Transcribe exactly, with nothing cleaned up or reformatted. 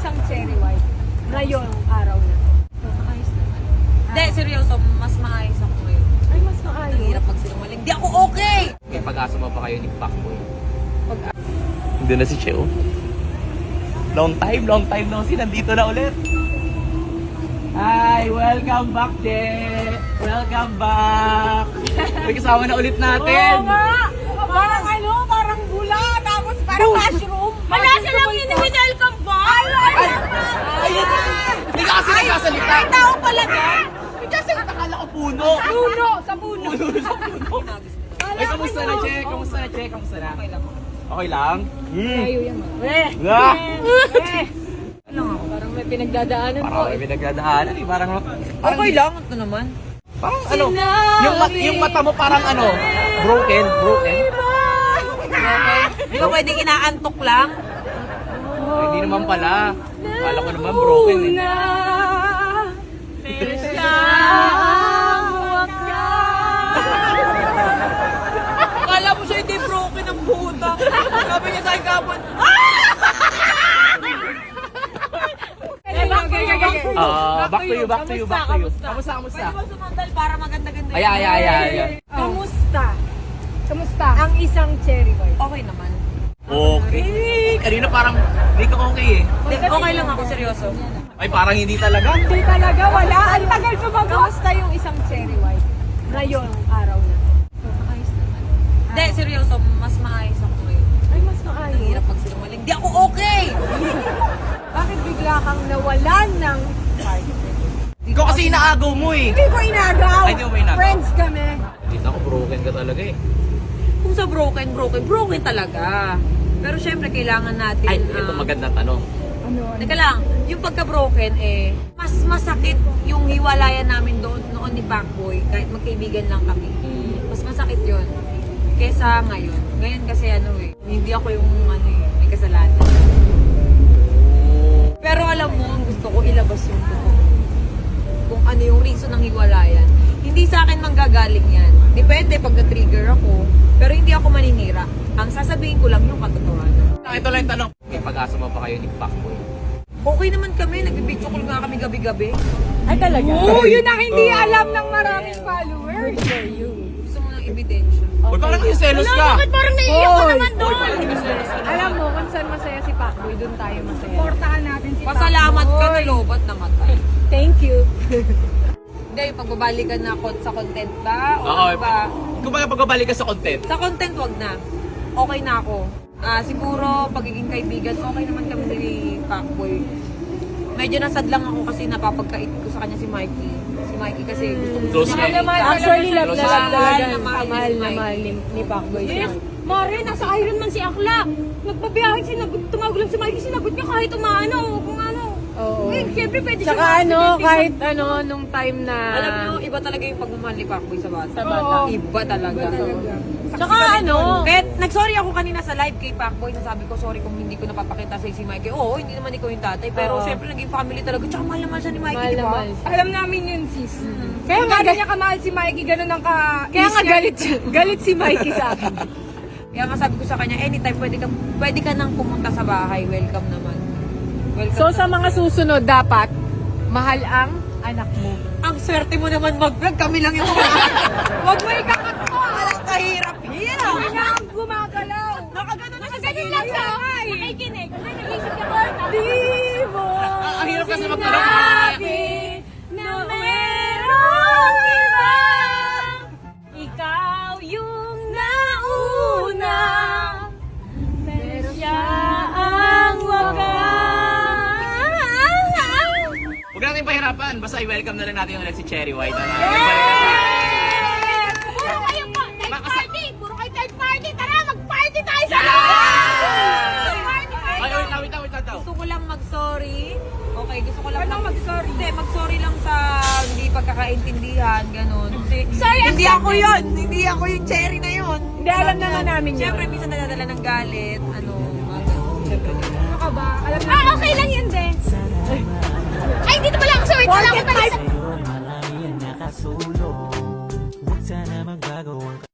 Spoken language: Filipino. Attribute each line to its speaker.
Speaker 1: isang cherry white ngayon araw na to.
Speaker 2: Maayos naman. Hindi, seryoso, mas maayos ako ngayon.
Speaker 1: Ay, mas
Speaker 2: Ang
Speaker 1: maayos.
Speaker 2: hirap pag sinungaling. Di ako okay!
Speaker 3: May pag-asa mo pa kayo ni Pacboy.
Speaker 1: Pag-
Speaker 3: Hindi na si Cheo. Long time, long time no si nandito na ulit. Hi! Welcome back, Che! Welcome back! May kasama na ulit natin.
Speaker 1: Oo nga! Parang ano, parang bula, tapos parang mushroom.
Speaker 2: Wala silang ini-welcome ba?
Speaker 1: Ay, ay, ay!
Speaker 3: Ay, hindi ka kasi nagsasalita.
Speaker 1: Ay, tao pala doon.
Speaker 3: Kasi nakakala ko puno.
Speaker 1: Puno, sa puno.
Speaker 3: Puno sa puno. Ay, kamusta na, Che? Kamusta na, Che? Kamusta na?
Speaker 2: Okay lang.
Speaker 3: Okay lang? Hmm.
Speaker 1: Ayaw yan, ma. Eh,
Speaker 3: Ah!
Speaker 1: eh.
Speaker 2: Ano ako?
Speaker 1: Parang may pinagdadaanan
Speaker 3: Parang
Speaker 1: po.
Speaker 3: may pinagdadaanan eh. Parang, parang,
Speaker 2: Okay lang, ito naman.
Speaker 3: parang ano, yung, mat, yung mata mo parang ano, broken, broken.
Speaker 2: Okay? Di ba pwedeng inaantok lang?
Speaker 3: Ay, hindi naman pala. Kala ko naman broken eh.
Speaker 1: Na,
Speaker 2: Akala mo siya hindi broken ang buta. Sabi niya sa akin kapon,
Speaker 1: Eh, back to you, back to you.
Speaker 3: Ah, back to you, back to you, back to you.
Speaker 1: Kamusta?
Speaker 3: Kamusta, kamusta?
Speaker 2: pwede ba sumandal para maganda-ganda
Speaker 3: Ay, ay, ay, ay, ay.
Speaker 1: Kamusta? Kamusta? Ang isang cherry white.
Speaker 2: Okay naman.
Speaker 3: Okay. Kanina parang hindi ka okay eh.
Speaker 2: Di, okay lang ako, seryoso.
Speaker 3: Ay, parang hindi talaga.
Speaker 1: Hindi talaga, wala. Ang tagal sumagot. Kamusta yung isang cherry white ngayon araw na to?
Speaker 2: Maayos naman. Hindi, seryoso, mas maayos ako ngayon.
Speaker 1: Ay, mas
Speaker 2: Ang
Speaker 1: maayos.
Speaker 2: hirap pag sinungaling. Di ako okay!
Speaker 1: Bakit bigla kang nawalan ng partner?
Speaker 3: Ikaw kasi inaagaw mo eh.
Speaker 1: Hindi ko inagaw.
Speaker 3: Ay, di mo ba inagaw?
Speaker 1: Friends kami.
Speaker 3: Kita ko broken ka talaga eh.
Speaker 2: Kung sa broken, broken, broken talaga. Pero syempre, kailangan natin...
Speaker 3: Ay, ito
Speaker 2: ah,
Speaker 3: magandang tanong.
Speaker 1: Ano?
Speaker 2: Teka lang, yung pagka-broken eh, mas masakit yung hiwalayan namin doon noon ni Pacboy, kahit magkaibigan lang kami.
Speaker 3: Hmm.
Speaker 2: Mas masakit yun. Kesa ngayon. Ngayon kasi ano eh, hindi ako yung ano eh, may kasalanan. Pero alam mo, ang gusto ko ilabas yung totoo. Kung ano yung reason ng hiwalayan. Hindi sa akin manggagaling yan. Depende pag na-trigger ako. Pero hindi ako maninira. Ang sasabihin ko lang yung katotohanan.
Speaker 3: Ito lang yung tanong. May pag-asa mo pa kayo ni Pacboy.
Speaker 2: Okay naman kami, nag-video call nga kami gabi-gabi.
Speaker 1: Ay, talaga? Oo, yun ang hindi alam ng maraming followers.
Speaker 2: Gusto mo ng ebidensya.
Speaker 3: Uy, parang yung selos ka.
Speaker 1: parang naiiyak
Speaker 3: ka naman doon? Uy, parang yung selos ka.
Speaker 1: Alam mo, kung saan masaya si Pacboy, doon tayo masaya. Supportahan natin si
Speaker 2: Pasalamat ka na lobat na matay.
Speaker 1: Thank you.
Speaker 2: Hindi, yung pagbabalikan na kon- sa content ba? O
Speaker 3: Oo,
Speaker 2: ano ba?
Speaker 3: kung baga pagbabalik ka sa content.
Speaker 2: Sa content, wag na. Okay na ako. Ah, siguro, pagiging kaibigan, okay naman kami ni Pacboy. Medyo nasad lang ako kasi napapagkait ko sa kanya si Mikey. Si Mikey kasi gusto gusto
Speaker 3: Close
Speaker 2: niya.
Speaker 3: kayo.
Speaker 2: makita.
Speaker 1: Actually, love na love
Speaker 2: Mahal
Speaker 1: talaga.
Speaker 2: na mahal niya
Speaker 1: Kamahal
Speaker 2: si
Speaker 1: na
Speaker 2: Mikey.
Speaker 1: mahal ni, ni Pacboy siya.
Speaker 4: Mare, nasa Iron Man si Akla. Nagbabiyahe, sinagot, tumawag lang si Mikey, sinagot niya kahit umano, kung ano.
Speaker 1: Oo.
Speaker 4: Eh, siyempre pwede
Speaker 1: Tsaka
Speaker 4: siya
Speaker 1: ano,
Speaker 4: ma-accident,
Speaker 1: kahit ano, nung time na...
Speaker 2: Alam niyo, iba talaga yung pagmamahal ni Pacboy sa bata.
Speaker 1: Sa bata.
Speaker 2: Iba talaga.
Speaker 1: Tsaka ano,
Speaker 2: Kahit nag-sorry ako kanina sa live kay Pacboy na sabi ko, sorry kung hindi ko napapakita sa si Mikey. Oo, hindi naman ikaw yung tatay. Pero
Speaker 1: Oo.
Speaker 2: syempre naging family talaga. Tsaka mahal naman siya ni Mikey,
Speaker 1: mahal
Speaker 2: di
Speaker 1: na
Speaker 2: ba?
Speaker 1: mahal.
Speaker 4: Alam namin yun, sis.
Speaker 1: Kaya nga,
Speaker 4: Kaya niya kamahal si Mikey, ganun ang ka...
Speaker 1: kaya nga galit, galit si Mikey sa akin.
Speaker 2: Kaya nga sabi ko sa kanya, anytime pwede ka, pwede ka nang pumunta sa bahay. Welcome naman. Welcome
Speaker 1: So sa mga susunod, dapat mahal ang anak mo.
Speaker 2: Ang swerte mo naman mag-vlog. Kami lang yung mga... Huwag mo ikakat mo. Alam, kahirap. Hirap.
Speaker 4: Hindi na ang gumagalaw.
Speaker 2: Nakagano na siya sa
Speaker 4: Ganun
Speaker 2: gilid.
Speaker 4: lang siya. Nakikinig. Nag-iisip ka ba?
Speaker 1: Di mo
Speaker 3: Ang ang hirap kasi magtanong.
Speaker 1: sinabi
Speaker 4: Na merong iba. Ikaw yung nauna. Pero siya ang wakas.
Speaker 3: Huwag natin pahirapan. Basta i-welcome na lang natin ulit si Cherry White. Ano?
Speaker 4: Puro kayo po, third
Speaker 3: Makasa-
Speaker 4: party! Puro kayo third party! Tara, mag-party tayo sa
Speaker 3: Yeah!
Speaker 4: Party tayo!
Speaker 3: Ay, wait lang, wait lang, wait lang daw.
Speaker 2: Gusto ko lang mag-sorry. Okay, gusto ko lang
Speaker 4: Ano mag-sorry?
Speaker 2: Hindi, mag-sorry lang sa hindi pagkakaintindihan, ganun. Kasi
Speaker 4: Sorry,
Speaker 2: hindi
Speaker 4: accepted.
Speaker 2: ako yun. Hindi ako yung cherry na yun.
Speaker 1: Hindi, alam na nga namin yun.
Speaker 2: Siyempre, minsan nadadala ng galit. Ano, mga ganun. Siyempre,
Speaker 4: Ano ka ba? Alam na. Ah, okay lang yun, de. Ay, dito pala ako. Sorry, wait lang ako.
Speaker 5: Marami ang nakasulong. Huwag sana magbago ang